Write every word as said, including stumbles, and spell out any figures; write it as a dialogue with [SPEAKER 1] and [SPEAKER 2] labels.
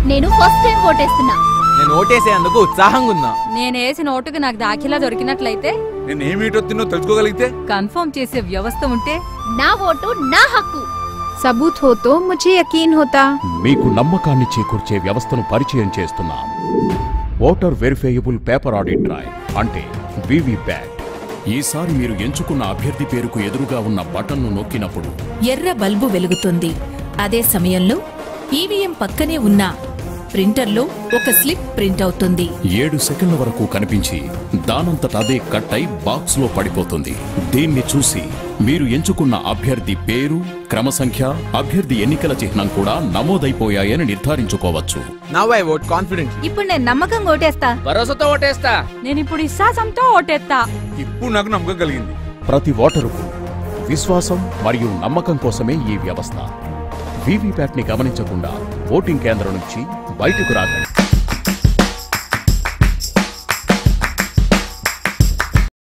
[SPEAKER 1] నేను first time ఓటేస్తున్నా.
[SPEAKER 2] నేను ఓటేసేందుకు ఉత్సాహంగా ఉన్నా.
[SPEAKER 3] నేను వేసిన ఓటుకు నాకు దాఖిలా దొరికినట్లయితే,
[SPEAKER 4] నేను ఏమి ఓటొత్తినో తెలుసుకోగలిగితే,
[SPEAKER 3] కన్ఫర్మ్ చేసే వ్యవస్థ ఉంటే,
[SPEAKER 1] నా ఓటు నా హక్కు.
[SPEAKER 5] सबूत हो तो मुझे यकीन होता.
[SPEAKER 6] మీకు నమ్మకాన్ని చేకూర్చే వ్యవస్థను పరిచయం చేస్తున్నాం. Voter verifiable paper audit drive అంటే వీవీప్యాట్. ఈసారి మీరు ఎంచుకున్న అభ్యర్థి పేరుకు ఎదురుగా ఉన్న బటన్ను నొక్కినప్పుడు
[SPEAKER 7] ఎర్ర బల్బు వెలుగుతుంది. అదే సమయంలో ఈవీఎం పక్కనే ఉన్న ప్రింటర్లో ఒక స్లిప్ ప్రింట్ అవుతుంది.
[SPEAKER 6] ఏడు సెకండ్ల వరకు కనిపించి దానంతట అదే కట్ అయి బాక్స్ లో పడిపోతుంది. దీన్ని చూసి మీరు ఎంచుకున్న అభ్యర్థి పేరు, క్రమ సంఖ్య, అభ్యర్థి ఎన్నికల చిహ్నం కూడా నమోదైపోయాయని నిర్ధారించుకోవచ్చు.
[SPEAKER 2] Now I vote confident.
[SPEAKER 3] ఇప్పుడు నేను నమ్మకంగా ఓటేస్తా.
[SPEAKER 2] భరోసాతో ఓటేస్తా.
[SPEAKER 3] నేను ఇప్పుడు విశ్వాసంతో ఓటేస్తా.
[SPEAKER 4] ఇప్పుడు నాకు నమ్మకం కలిగింది.
[SPEAKER 6] ప్రతి ఓటరుకు విశ్వాసం మరియు నమ్మకం కోసమే ఈ వ్యవస్థ. వీవీప్యాట్ ని గమనించకుండా ఓటింగ్ కేంద్రం నుంచి బయటకు రాకండి.